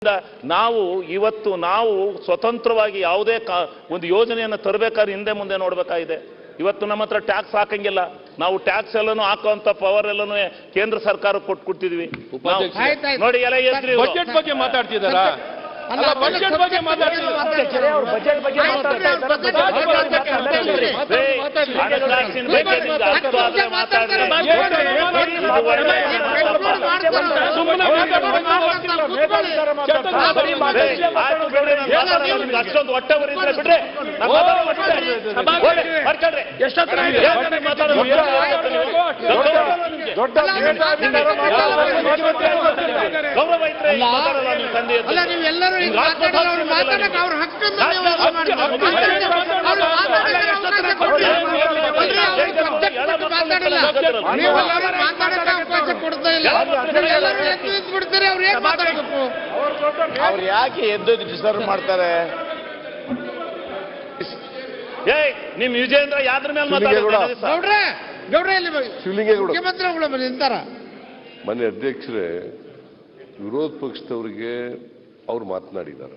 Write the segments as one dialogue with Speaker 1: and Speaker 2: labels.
Speaker 1: ನಾವು ಇವತ್ತು ಸ್ವತಂತ್ರವಾಗಿ ಯಾವುದೇ ಒಂದು ಯೋಜನೆಯನ್ನು ತರಬೇಕಾದ್ರೆ ಹಿಂದೆ ಮುಂದೆ ನೋಡಬೇಕಾಗಿದೆ. ಇವತ್ತು ನಮ್ಮ ಹತ್ರ ಟ್ಯಾಕ್ಸ್ ಹಾಕಂಗಿಲ್ಲ, ನಾವು ಟ್ಯಾಕ್ಸ್ ಎಲ್ಲನೂ ಹಾಕುವಂತ ಪವರ್ ಎಲ್ಲನೂ ಕೇಂದ್ರ ಸರ್ಕಾರ ಕೊಟ್ಟಿದ್ವಿ. ನೋಡಿ ಎಲ್ಲ
Speaker 2: ಬಜೆಟ್ ಬಗ್ಗೆ ಮಾತಾಡ್ತಿದಾರಾ? ಬಜೆಟ್ ಬಗ್ಗೆ
Speaker 1: ಅಷ್ಟೊಂದು ಹೊಟ್ಟೆ ಬರೀದ್ರೆ ಬಿಡ್ರೆ ಗೌರವ ಇದ್ರೆ
Speaker 3: ನೀವೆಲ್ಲರೂ ಅವ್ರ ಹಕ್ಕನ್ನು ಅವಕಾಶ ಕೊಡ್ತಾ ಇಲ್ಲ. ಬಿಡ್ತಾರೆ, ಅವ್ರು ಏನ್ ಮಾತಾಡಬೇಕು?
Speaker 4: ಅವ್ರು ಯಾಕೆ ಎದ್ದು ಡಿಸ್ಟರ್ಬ್ ಮಾಡ್ತಾರೆ?
Speaker 1: ನಿಮ್ ವಿಜೇಂದ್ರ ಯಾದ್ರ ಮೇಲೆ
Speaker 3: ಗೌಡ್ರೆ ಗೌಡ್ರೆ ಇಲ್ಲಿ ಮುಖ್ಯಮಂತ್ರಿಗಳು ನಿಂತಾರ.
Speaker 5: ಮನೆ ಅಧ್ಯಕ್ಷರೇ, ವಿರೋಧ ಪಕ್ಷದವರಿಗೆ ಅವ್ರು ಮಾತನಾಡಿದ್ದಾರೆ.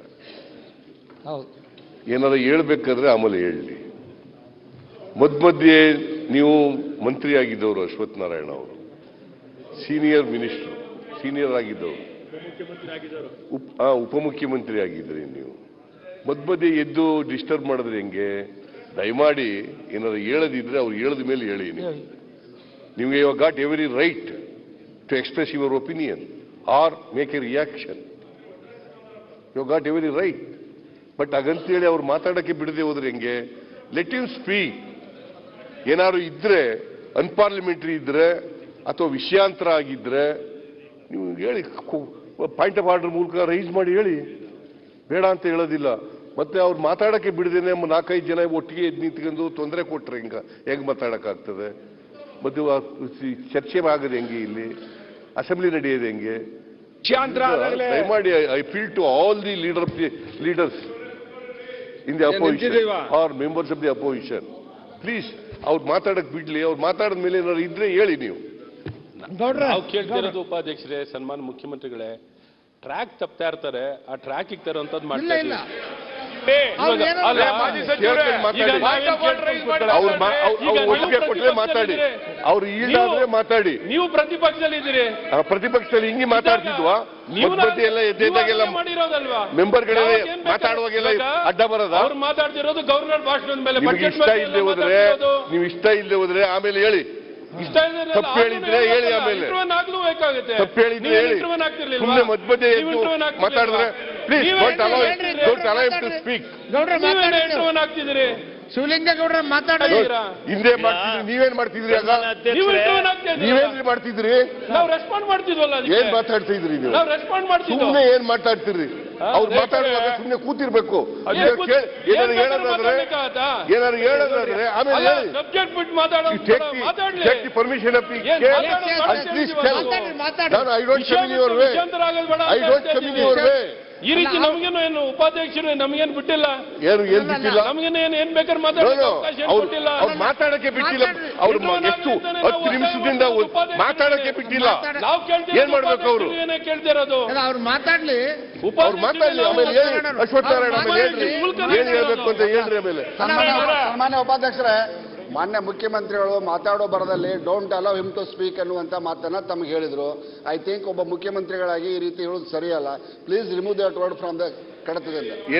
Speaker 5: ಏನಾದ್ರು ಹೇಳ್ಬೇಕಾದ್ರೆ ಆಮೇಲೆ ಹೇಳಲಿ. ಮಧ್ಯೆ ನೀವು ಮಂತ್ರಿ ಆಗಿದ್ದವರು ಅಶ್ವಥ್ ನಾರಾಯಣ ಅವರು, ಸೀನಿಯರ್ ಮಿನಿಸ್ಟರ್, ಸೀನಿಯರ್ ಆಗಿದ್ದವರು, ಉಪಮುಖ್ಯಮಂತ್ರಿ ಆಗಿದ್ರಿ. ನೀವು ಮಧ್ಯೆ ಎದ್ದು ಡಿಸ್ಟರ್ಬ್ ಮಾಡಿದ್ರೆ ಹೆಂಗೆ? ದಯಮಾಡಿ ಏನಾದ್ರು ಹೇಳದಿದ್ರೆ ಅವ್ರು ಹೇಳದ ಮೇಲೆ ಹೇಳಿ. ನಿಮಗೆ you got every right to express your opinion or make a reaction. You got every right. But ಹಾಗಂತೇಳಿ ಅವ್ರು ಮಾತಾಡಕ್ಕೆ ಬಿಡದೆ ಹೋದ್ರೆ ಹೆಂಗೆ? Let you speak. ಏನಾದ್ರು ಇದ್ರೆ ಅನ್ಪಾರ್ಲಿಮೆಂಟರಿ ಇದ್ರೆ ಅಥವಾ ವಿಷಯಾಂತರ ಆಗಿದ್ರೆ ನೀವು ಹೇಳಿ, ಪಾಯಿಂಟ್ ಆಫ್ ಆರ್ಡರ್ ಮೂಲಕ ರೈಸ್ ಮಾಡಿ ಹೇಳಿ, ಬೇಡ ಅಂತ ಹೇಳೋದಿಲ್ಲ. ಮತ್ತೆ ಅವ್ರು ಮಾತಾಡಕ್ಕೆ ಬಿಡದೇನೆ 4-5 ಜನ ಒಟ್ಟಿಗೆ ಎದ್ದು ನಿಂತ್ಕೊಂಡು ತೊಂದರೆ ಕೊಟ್ರೆ ಹೆಂಗ್ ಮಾತಾಡಕ್ಕಾಗ್ತದೆ? ಮತ್ತೆ ಚರ್ಚೆ ಆಗದೆ ಹೆಂಗೆ? ಇಲ್ಲಿ ಅಸೆಂಬ್ಲಿ ನಡೆಯೋದು ಹೆಂಗೆ? ದಯಮಾಡಿ I feel to all the leaders in the opposition or members of the opposition, please ಅವ್ರು ಮಾತಾಡಕ್ ಬಿಡ್ಲಿ. ಅವ್ರು ಮಾತಾಡಿದ ಮೇಲೆ ಏನಾದ್ರು ಇದ್ರೆ ಹೇಳಿ. ನೀವು
Speaker 2: ನಾವು ಕೇಳ್ತಿರೋದು ಉಪಾಧ್ಯಕ್ಷರೇ, ಸನ್ಮಾನ ಮುಖ್ಯಮಂತ್ರಿಗಳೇ, ಟ್ರ್ಯಾಕ್ ತಪ್ತಾ ಇರ್ತಾರೆ, ಆ ಟ್ರ್ಯಾಕ್ ತರುವಂತದ್ದು ಮಾಡ್ತಾ ಇಲ್ಲ.
Speaker 5: ಒಪ್ಪಿಗೆ ಕೊಟ್ಟರೆ ಮಾತಾಡಿ, ಅವ್ರು ಈಡಾದ್ರೆ ಮಾತಾಡಿ.
Speaker 2: ನೀವು ಪ್ರತಿಪಕ್ಷದಲ್ಲಿ ಇದ್ದೀರಿ,
Speaker 5: ಪ್ರತಿಪಕ್ಷದಲ್ಲಿ ಹಿಂಗೆ ಮಾತಾಡ್ತಿದ್ವಾ? ಎಲ್ಲ ಎದ್ದಾಗೆಲ್ಲ ಮೆಂಬರ್ಗಳೆಲ್ಲ ಮಾತಾಡುವಾಗೆಲ್ಲ ಅಡ್ಡ ಬರೋದ?
Speaker 2: ಅವ್ರು ಮಾತಾಡ್ತಿರೋದು ಗವರ್ನರ್ ಭಾಷಣದ ಮೇಲೆ.
Speaker 5: ಇಷ್ಟ ಇಲ್ಲದೆ ಹೋದ್ರೆ ನೀವು ಇಷ್ಟ ಇಲ್ಲದೆ ಹೋದ್ರೆ ಆಮೇಲೆ ಹೇಳಿ. ತಪ್ಪು ಹೇಳಿದ್ರೆ ಹೇಳಿ, ಆಮೇಲೆ ತಪ್ಪು ಹೇಳಿದ್ರೆ ಹೇಳಿ. ಸುಮ್ಮನೆ ಮಧ್ಯೆ ಮಾತಾಡಿದ್ರೆ please don't allow him to speak.
Speaker 2: ಆಗ್ತಿದ್ದೀರಿ
Speaker 3: ಶಿವಲಿಂಗೇಗೌಡ್ರ ಮಾತಾಡಿದ್ರ
Speaker 5: ಹಿಂದೆ ಮಾಡ್ತಿದ್ರಿ, ನೀವೇನ್ ಮಾಡ್ತಿದ್ರಿ? ಆಗ ನೀವೇನ್ರಿ ಮಾಡ್ತಿದ್ರಿ?
Speaker 2: ನಾವು ರೆಸ್ಪಾಂಡ್ ಮಾಡ್ತಿದ್ವಲ್ಲ.
Speaker 5: ಏನ್ ಮಾತಾಡ್ತಾ ಇದ್ರಿ ನೀವು? ಸುಮ್ಮನೆ ಏನ್ ಮಾತಾಡ್ತಿದ್ರಿ? ಅವ್ರು ಮಾತಾಡುವಾಗ ಸುಮ್ಮನೆ ಕೂತಿರ್ಬೇಕು. ಏನಾದ್ರು ಹೇಳೋದಾದ್ರೆ ಆಮೇಲೆ permission of I don't come in your way. I don't come in your way.
Speaker 2: ಈ ರೀತಿ ನಮಗೇನು ಏನು ಉಪಾಧ್ಯಕ್ಷರು ನಮಗೇನು ಬಿಟ್ಟಿಲ್ಲ,
Speaker 5: ಏನು ಬಿಟ್ಟಿಲ್ಲ,
Speaker 2: ನಮಗೇನು ಏನ್ ಬೇಕಾದ್ರೆ ಮಾತಾಡೋಕೆ
Speaker 5: ಅವ್ರು ಮಾತಾಡಕ್ಕೆ ಬಿಟ್ಟಿಲ್ಲ. ಅವ್ರು ಎಷ್ಟು 10 ನಿಮಿಷದಿಂದ ಮಾತಾಡಕ್ಕೆ ಬಿಟ್ಟಿಲ್ಲ.
Speaker 2: ನಾವು
Speaker 5: ಏನ್ ಮಾಡ್ಬೇಕು? ಅವರು
Speaker 2: ಏನೇ ಕೇಳ್ತಿರೋದು
Speaker 3: ಅವ್ರು ಮಾತಾಡ್ಲಿ,
Speaker 5: ಅವ್ರು ಮಾತಾಡ್ಲಿ. ಆಮೇಲೆ ಹೇಳಿ, ಅಶ್ವಥ್ ನಾರಾಯಣ ಆಮೇಲೆ ಹೇಳ್ರಿ ಏನ್ ಹೇಳ್ಬೇಕು ಅಂತ ಹೇಳ್ರಿ. ಆಮೇಲೆ
Speaker 4: ಸನ್ಮಾನ್ಯ ಉಪಾಧ್ಯಕ್ಷರೇ, ಮಾನ್ಯ ಮುಖ್ಯಮಂತ್ರಿಗಳು ಮಾತಾಡೋ ಬರದಲ್ಲಿ don't allow him to speak ಅನ್ನುವಂಥ ಮಾತನ್ನ ತಮಗೆ ಹೇಳಿದ್ರು. ಐ ಥಿಂಕ್ ಒಬ್ಬ ಮುಖ್ಯಮಂತ್ರಿಗಳಾಗಿ ಈ ರೀತಿ ಹೇಳೋದು ಸರಿಯಲ್ಲ. Please remove that word from the ಕಡತದಿಂದ.